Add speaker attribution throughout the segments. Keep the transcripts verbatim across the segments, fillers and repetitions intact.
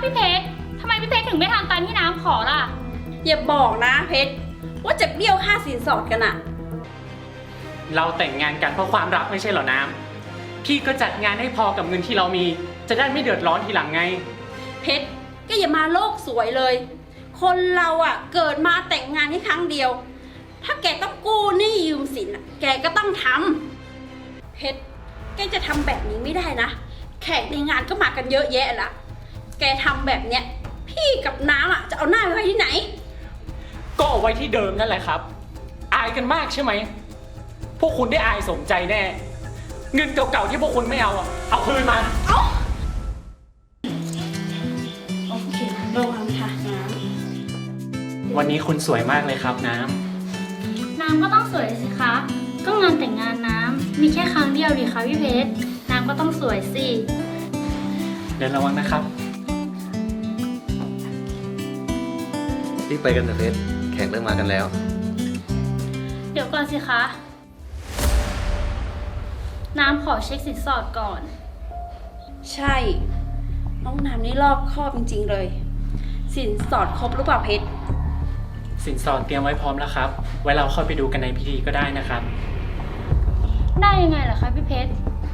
Speaker 1: พี่เพชรทำไมพี่เพชรถึงไม่ทำตามที่น้ำขอล่ะ
Speaker 2: อย่าบอกนะเพชรว่าจะเบี้ยวค่าสินสอดกันอะ
Speaker 3: เราแต่งงานกันเพราะความรักไม่ใช่เหรอน้ำพี่ก็จัดงานให้พอกับเงินที่เรามีจะได้ไม่เดือดร้อนทีหลังไง
Speaker 2: เพชรก็อย่ามาโลกสวยเลยคนเราอะเกิดมาแต่งงานแค่ครั้งเดียวถ้าแกต้องกู้หนี้ยืมสินอะแกก็ต้องทำเพชรแกจะทำแบบนี้ไม่ได้นะแขกในงานก็มากันเยอะแยะละแกทำแบบเนี้ยพี่กับน้ำอะจะเอาหน้าไปไว้ที่ไหน
Speaker 3: ก็เอาไว้ที่เดิมนั่นแหละครับอายกันมากใช่ไหมพวกคุณได้อายสมใจแน่เงินเก่าๆที่พวกคุณไม่เอาอะเอาคืนมา
Speaker 2: เอาโอเคระวังค่ะน้
Speaker 3: ำวันนี้คุณสวยมากเลยครับน้
Speaker 1: ำน้ำก็ต้องสวยสิคะก็งานแต่งงานน้ำมีแค่ครั้งเดียวดิคะพี่เพชรน้ำก็ต้องสวยสิ
Speaker 3: เดินระวังนะครับ
Speaker 4: รีบไปกันเถอะเพชรแขกเริ่มมากันแล้ว
Speaker 1: เดี๋ยวก่อนสิคะน้ำขอเช็คสินสอดก่อน
Speaker 2: ใช่น้องน้ำนี่รอบคอบจริงๆเลยสินสอดครบหรือเปล่าเพชร
Speaker 3: สินสอดเตรียมไว้พร้อมแล้วครับไว้เราค่อยไปดูกันในพิธีก็ได้นะครับ
Speaker 1: ได้ยังไงล่ะคะพี่เพชร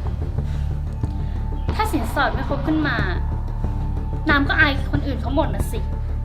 Speaker 1: ถ้าสินสอดไม่ครบขึ้นมาน้ำก็อายคนอื่นเขาหมดนะสิ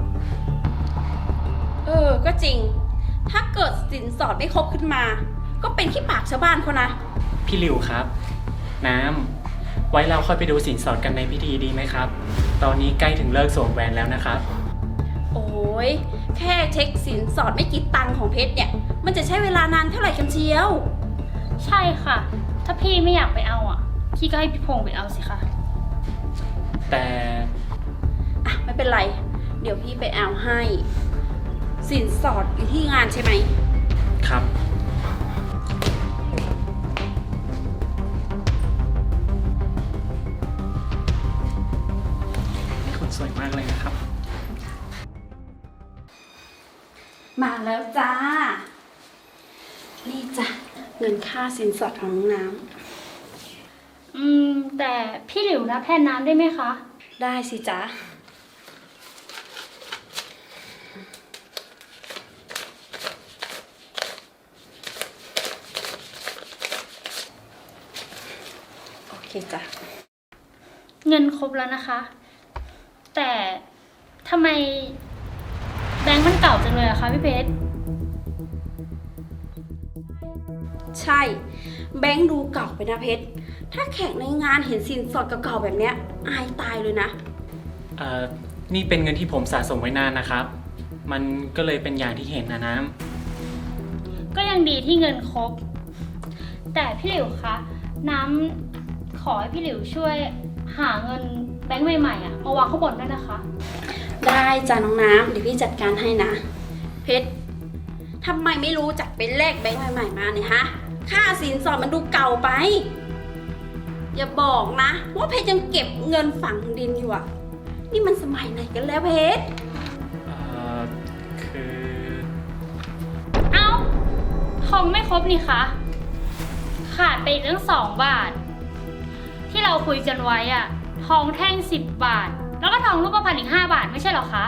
Speaker 2: เออก็จริงถ้าเกิดสินสอดไม่ครบขึ้นมาก็เป็นขี้ปากชาวบ้านเขานะ
Speaker 3: พี่หลิวครับน้ำไว้เราค่อยไปดูสินสอดกันในพิธีดีไหมครับตอนนี้ใกล้ถึงเลิกสวมแหวนแล้วนะครับ
Speaker 2: โอ้ยแค่เช็คสินสอดไม่กี่ตังค์ของเพชรเนี่ยมันจะใช้เวลานานเท่าไหร่กันเชียว
Speaker 1: ใช่ค่ะถ้าพี่ไม่อยากไปเอาอ่ะพี่ก็ให้พี่พงษ์ไปเอาสิคะ
Speaker 3: แต่
Speaker 2: อ่ะไม่เป็นไรเดี๋ยวพี่ไปเอาให้สินสอดอยู่ที่งานใช่ไหม
Speaker 3: ครับคุณสวยมากเลยนะครับ
Speaker 2: มาแล้วจ้านี่จ้ะเงินค่าสินสอดของน้องน้
Speaker 1: ำอืมแต่พี่หลิวรับแทนน้ำได้ไหมคะ
Speaker 2: ได้สิจ๊ะโอเคจ้ะ
Speaker 1: เงินครบแล้วนะคะแต่ทำไมแบงค์มันเก่าจังเลยอะคะพี่เพชร
Speaker 2: ใช่แบงค์ดูเก่าไปนะเพชรถ้าแขกในงานเห็นสินสอดเก่าๆแบบเนี้ยอายตายเลยนะ
Speaker 3: เอ่อนี่เป็นเงินที่ผมสะสมไว้นานนะครับมันก็เลยเป็นอย่างที่เห็นนะน้
Speaker 1: ำก็ยังดีที่เงินครบแต่พี่หลิวคะน้ำขอให้พี่หลิวช่วยหาเงินแบงค์ใหม่ๆอะมาวางข้างบนด้วยนะคะ
Speaker 2: ได้จ้ะน้องน้ำเดี๋ยวพี่จัดการให้นะเพชรทำไมไม่รู้จักเป็นแลกแบงค์ใหม่ๆมาเนี่ยฮะค่าสินสอดมันดูเก่าไปอย่าบอกนะว่าเพชรยังเก็บเงินฝังดินอยู่อ่ะนี่มันสมัยไหนกันแล้วเพชร
Speaker 3: เอ่อคือ
Speaker 1: เอ้าทองไม่ครบนี่คะขาดไปอีกตั้งสองบาทที่เราคุยกันไว้อะทองแท่งสิบบาทแล้วก็ทองรูปพรรณอีกห้าบาทไม่ใช่หรอคะ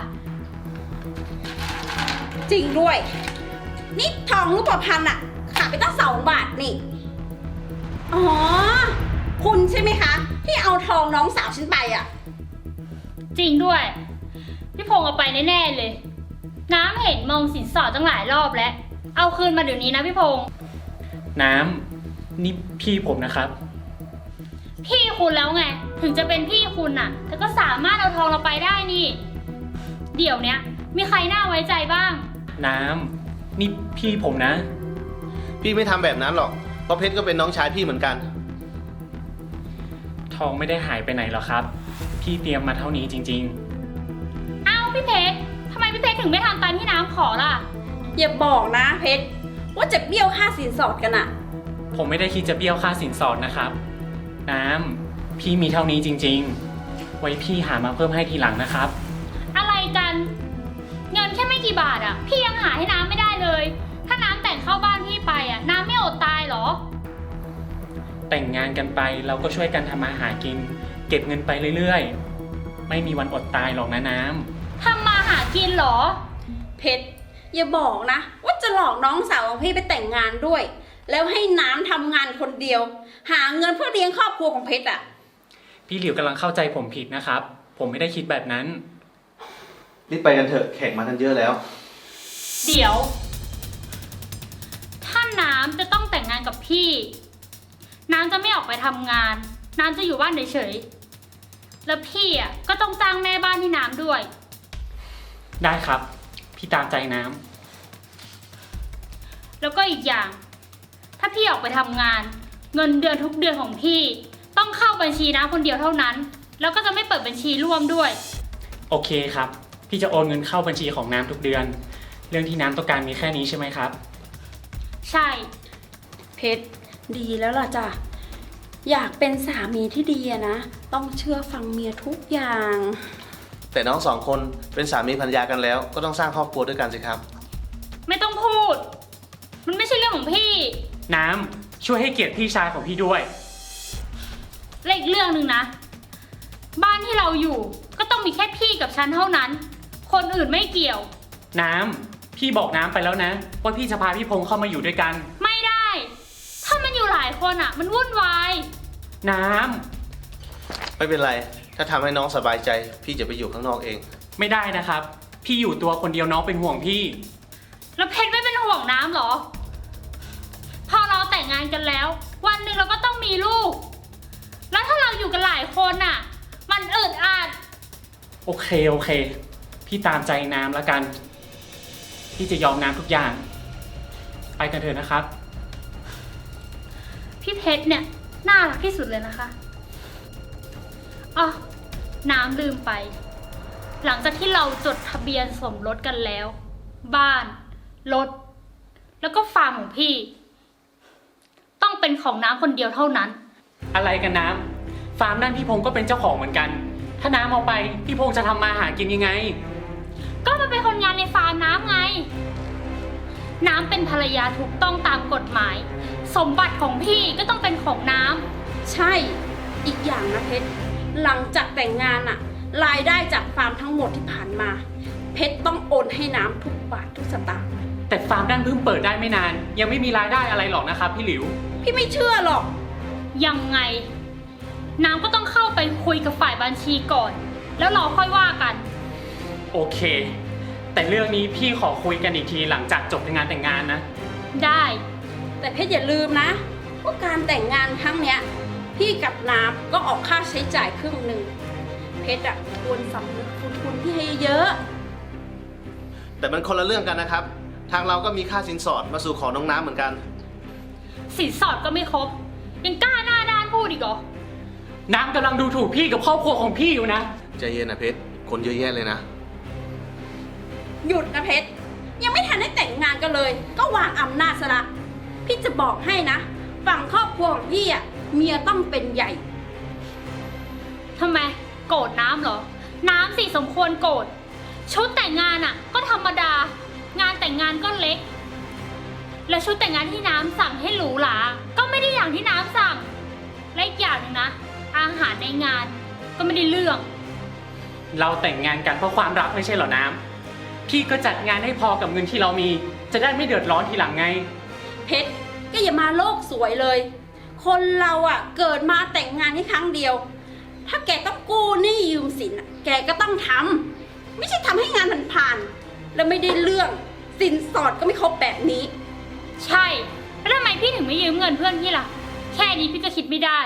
Speaker 2: จริงด้วยนี่ทองรูปพรรณอะขาดไปตั้งสองบาทนี่อ๋อคุณใช่ไหมคะที่เอาทองน้องสาวฉันไปอะ
Speaker 1: จริงด้วยพี่พงษ์เอาไปแน่ๆเลยน้ำเห็นมองสินสอดตั้งหลายรอบแล้วเอาคืนมาเดี๋ยวนี้นะพี่พงษ์
Speaker 3: น้ำนี่พี่ผมนะครับ
Speaker 1: พี่คุณแล้วไงถึงจะเป็นพี่คุณน่ะแต่ก็สามารถเอาทองเราไปได้นี่เดี๋ยวเนี้ยมีใครน่าไว้ใจบ้าง
Speaker 3: น้ำนี่พี่ผมนะ
Speaker 4: พี่ไม่ทำแบบนั้นหรอกเพราะเพชรก็เป็นน้องชายพี่เหมือนกัน
Speaker 3: ทองไม่ได้หายไปไหนหรอกครับพี่เตรียมมาเท่านี้จริง
Speaker 1: ๆอ้าวพี่เพชรทำไมพี่เพชรถึงไม่ทำตามที่น้ำขอล่ะ
Speaker 2: อย่าบอกนะเพชรว่าจะเบี้ยวค่าสินสอดกันอะ
Speaker 3: ผมไม่ได้คิดจะเบี้ยวค่าสินสอดนะครับน้ำพี่มีเท่านี้จริงๆไว้พี่หามาเพิ่มให้ทีหลังนะครับ
Speaker 1: อะไรกันเงินแค่ไม่กี่บาทอ่ะพี่ยังหาให้น้ำไม่ได้เลยถ้าน้ำแต่งเข้าบ้านพี่ไปอ่ะน้ำไม่อดตายหรอ
Speaker 3: แต่งงานกันไปเราก็ช่วยกันทำมาหากินเก็บเงินไปเรื่อยๆไม่มีวันอดตายหรอกนะน้
Speaker 1: ทำมาหากินเหรอ
Speaker 2: เพชรอย่าบอกนะ ว่าจะหลอกน้องสาวของพี่ไปแต่งงานด้วย แล้วให้น้ำทำงานคนเดียว หาเงินเพื่อเลี้ยงครอบครัวของเพชรอ่ะ
Speaker 3: ำพี่หลิวกำลังเข้าใจผมผิดนะครับ ผมไม่ได้คิดแบบนั้น
Speaker 4: รีบไปกันเถอะแขกมากันเยอะแล้ว
Speaker 1: เดี๋ยว ถ้าน้ำจะต้องแต่งงานกับพี่ น้ำจะไม่ออกไปทำงาน น้ำจะอยู่บ้านเฉยๆ แล้วพี่อ่ะก็ต้องจ้างแม่บ้านที่น้ำด้วย
Speaker 3: ได้ครับ พี่ตามใจน้
Speaker 1: แล้วก็อีกอย่าง ถ้าพี่ออกไปทำงาน เงินเดือนทุกเดือนของพี่ ต้องเข้าบัญชีน้ำคนเดียวเท่านั้น แล้วก็จะไม่เปิดบัญชีร่วมด้วย
Speaker 3: ำโอเคครับ พี่จะโอนเงินเข้าบัญชีของน้ำทุกเดือน เรื่องที่น้ำต้องการมีแค่นี้ใช่ไหมครับ
Speaker 1: ใช่
Speaker 2: เพชรดีแล้วล่ะจ้ะ อยากเป็นสามีที่ดีอะนะ ต้องเชื่อฟังเมียทุกอย่าง
Speaker 4: แต่น้องสองคนเป็นสามีภรรยากันแล้ว ก็ต้องสร้างครอบครัวด้วยกันสิครับ
Speaker 1: ไม่ต้องพูด มันไม่ใช่เรื่องของพี่
Speaker 3: น้ำช่วยให้เกียรติพี่ชายของพี่ด้วย
Speaker 1: และอีกเรื่องหนึ่งนะ บ้านที่เราอยู่ก็ต้องมีแค่พี่กับฉันเท่านั้น คนอื่นไม่เกี่ยว
Speaker 3: น้ำพี่บอกน้ำไปแล้วนะ ว่าพี่จะพาพี่พงษ์เข้ามาอยู่ด้วยกัน
Speaker 1: ไม่ได้ ถ้ามันอยู่หลายคนอ่ะ มันวุ่นวาย
Speaker 3: น้
Speaker 4: ไม่เป็นไร ถ้าทำให้น้องสบายใจ พี่จะไปอยู่ข้างนอกเอง
Speaker 3: ำไม่ได้นะครับ พี่อยู่ตัวคนเดียวน้องเป็นห่วงพี่
Speaker 1: แล้วเพชรไม่เป็นห่วงน้ำเหรอ พอเราแต่งงานกันแล้ว วันหนึ่งเราก็ต้องมีลูก แล้วถ้าเราอยู่กันหลายคนอ่ะ มันอึดอัด
Speaker 3: โอเคโอเค พี่ตามใจน้ำแล้วกัน พี่จะยอมน้ำทุกอย่าง ไปกันเถอะนะครับ
Speaker 1: พี่เพชรเนี่ยน่ารักที่สุดเลยนะคะอ๋อน้ำลืมไป หลังจากที่เราจดทะเบียนสมรสกันแล้ว บ้าน รถ แล้วก็ฟาร์มของพี่ ต้องเป็นของน้ำคนเดียวเท่านั้น
Speaker 3: อะไรกันน้ำฟาร์มนั่นพี่พงษ์ก็เป็นเจ้าของเหมือนกัน ถ้าน้ำเอาไปพี่พงษ์จะทำมาหากินยังไง
Speaker 1: ก็มาเป็นคนงานในฟาร์มน้ำไง น้ำเป็นภรรยาถูกต้องตามกฎหมาย สมบัติของพี่ก็ต้องเป็นของน้ำ
Speaker 2: ใช่ อีกอย่างนะเพชร หลังจากแต่งงานอะรายได้จากฟาร์มทั้งหมดที่ผ่านมา เพชรต้องโอนให้น้ำทุกบาททุกสตางค์
Speaker 3: แต่ฟาร์มนั่นเพิ่งเปิดได้ไม่นาน ยังไม่มีรายได้อะไรหรอกนะครับพี่หลิว
Speaker 2: พี่ไม่เชื่อหรอก
Speaker 1: ยังไง น้ำก็ต้องเข้าไปคุยกับฝ่ายบัญชีก่อน แล้วเราค่อยว่ากัน
Speaker 3: โอเค แต่เรื่องนี้พี่ขอคุยกันอีกทีหลังจากจบงานแต่งงานนะ
Speaker 1: ได้
Speaker 2: แต่เพชรอย่าลืมนะว่าการแต่งงานครั้งเนี้ย พี่กับน้ำก็ออกค่าใช้จ่ายครึ่งหนึ่ง เพชรอะควรสำนึกคุณคุณพี่ให้เยอะ
Speaker 4: แต่มันคนละเรื่องกันนะครับ ทางเราก็มีค่าสินสอดมาสู่ขอน้องน้ำเหมือนกัน
Speaker 1: สินสอดก็ไม่ครบ ยังกล้าหน้าด้านพูดอีกเหรอ
Speaker 3: น้ำกำลังดูถูกพี่กับครอบครัวของพี่อยู่นะ
Speaker 4: ใจเย็นนะเพชร คนเยอะแยะเลยนะ
Speaker 2: หยุดนะเพชร ยังไม่ทันได้แต่งงานกันเลย ก็วางอำนาจซะละ พี่จะบอกให้นะ ฝั่งครอบครัวของพี่อะเมียต้องเป็นใหญ่
Speaker 1: ทำไม โกรธน้ำเหรอ น้ำสิสมควรโกรธ ชุดแต่งงานอ่ะ ก็ธรรมดา งานแต่งงานก็เล็ก และชุดแต่งงานที่น้ำสั่งให้หรูหรา ก็ไม่ได้อย่างที่น้ำสั่ง และอีกอย่างหนึงนะ อาหารในงานก็ไม่ได้เรื่อง
Speaker 3: เราแต่งงานกันเพราะความรักไม่ใช่เหรอน้ำพี่ก็จัดงานให้พอกับเงินที่เรามี จะได้ไม่เดือดร้อนทีหลังไง
Speaker 2: เพชรก็อย่ามาโลกสวยเลย คนเราอะเกิดมาแต่งงานแค่ครั้งเดียว ถ้าแกต้องกู้หนี้ยืมสินอะแกก็ต้องทำไม่ใช่ทำให้งานมันผ่านๆแล้วไม่ได้เรื่องสินสอดก็ไม่ครบแบบนี้
Speaker 1: ใช่ แล้วทำไมพี่ถึงไม่ยืมเงินเพื่อนพี่ล่ะ แค่นี้พี่ก็คิดไม่ได้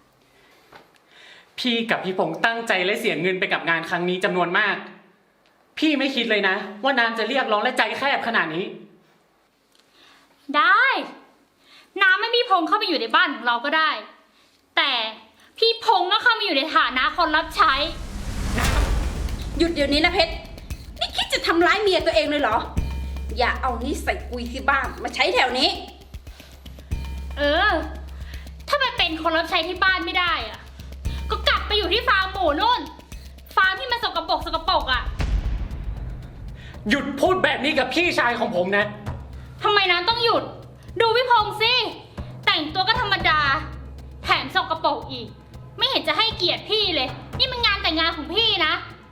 Speaker 3: พี่กับพี่พงษ์ตั้งใจและเสียเงินไปกับงานครั้งนี้จำนวนมาก พี่ไม่คิดเลยนะ ว่าน้ำจะเรียกร้องและใจแคบขนาดนี้
Speaker 1: ได้ น้ำไม่พี่พงษ์เข้าไปอยู่ในบ้านของเราก็ได้ แต่พี่พงษ์ก็เข้ามาอยู่ในฐานะคนรับใช้
Speaker 2: หยุดเดี๋ยวนี้นะเพชร นี่คิดจะทำร้ายเมียตัวเองเลยเหรอ อย่าเอานิสัยกุยที่บ้านมาใช้แถวนี้
Speaker 1: เออ ถ้าไปเป็นคนรับใช้ที่บ้านไม่ได้อะก็กลับไปอยู่ที่ฟาร์มหมูนู่น ฟาร์มที่มันสกปรกสกปรกอะ
Speaker 3: หยุดพูดแบบนี้กับพี่ชายของผมนะ
Speaker 1: ทำไมน้ำต้องหยุด ดูพี่พงษ์สิ แต่งตัวก็ธรรมดา แถมสกปรกอีกไม่เห็นจะให้เกียรติพี่เลย นี่มันงานแต่งงานของพี่นะ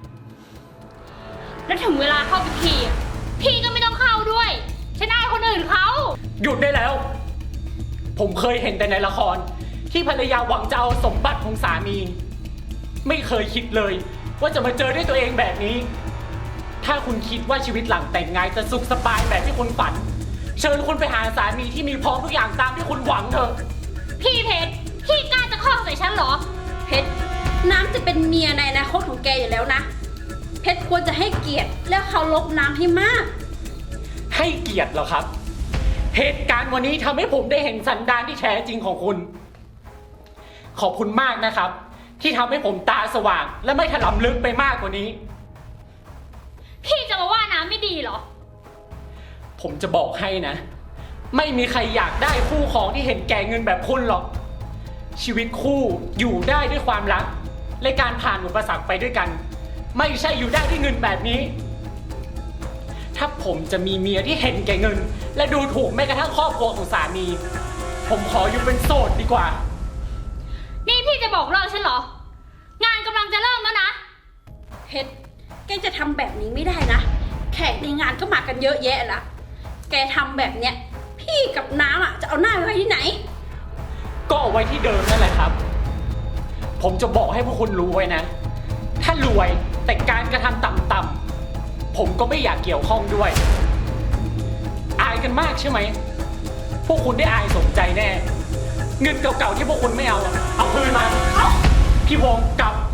Speaker 1: แล้วถึงเวลาเข้าพิธีอะพี่ก็ไม่ต้องเข้าด้วย ฉันอายคนอื่นเขา
Speaker 3: หยุดได้แล้ว ผมเคยเห็นแต่ในละคร ที่ภรรยาหวังจะเอาสมบัติของสามี ไม่เคยคิดเลย ว่าจะมาเจอด้วยตัวเองแบบนี้ ถ้าคุณคิดว่าชีวิตหลังแต่งงานจะสุขสบายแบบที่คุณฝัน เชิญคุณไปหาสามีที่มีพร้อมทุกอย่างตามที่คุณหวังเถอะ
Speaker 1: พี่เพชร พี่กล้าจะข้องใส่ฉันเหรอ
Speaker 2: เพชรน้ำจะเป็นเมียในอนาคตของแกอยู่แล้วนะ เพชรควรจะให้เกียรติแล้วเคารพน้ำให้มาก
Speaker 3: ให้เกียรติเหรอครับ เหตุการณ์วันนี้ทำให้ผมได้เห็นสันดานที่แท้จริงของคุณ ขอบคุณมากนะครับ ที่ทำให้ผมตาสว่าง และไม่ถลำลึกไปมากกว่านี้
Speaker 1: พี่จะมาว่าน้ำไม่ดีเหรอ
Speaker 3: ผมจะบอกให้นะ ไม่มีใครอยากได้คู่ครองที่เห็นแก่เงินแบบคุณหรอก ชีวิตคู่อยู่ได้ด้วยความรัก และการผ่านอุปสรรคไปด้วยกัน ไม่ใช่อยู่ได้ด้วยเงินแบบนี้ ถ้าผมจะมีเมียที่เห็นแก่เงิน และดูถูกแม้กระทั่งครอบครัวของสามี ผมขออยู่เป็นโสดดีกว่า
Speaker 1: นี่พี่จะบอกเลิกฉันเหรอ งานกำลังจะเริ่มแล้วนะ
Speaker 2: เพชรแกจะทำแบบนี้ไม่ได้นะ แขกในงานก็มากันเยอะแยะละแกทำแบบเนี้ยพี่กับน้ำอ่ะจะเอาหน้าไปไว้ที่ไหน
Speaker 3: ก็เอาไว้ที่เดิมนั่นแหละครับ ผมจะบอกให้พวกคุณรู้ไว้นะ ถ้ารวยแต่การกระทำต่ำๆผมก็ไม่อยากเกี่ยวข้องด้วย อายกันมากใช่ไหม พวกคุณได้อายสมใจแน่ เงินเก่าๆที่พวกคุณไม่เอาอะเอาคืนมา เอาพี่วงกลับ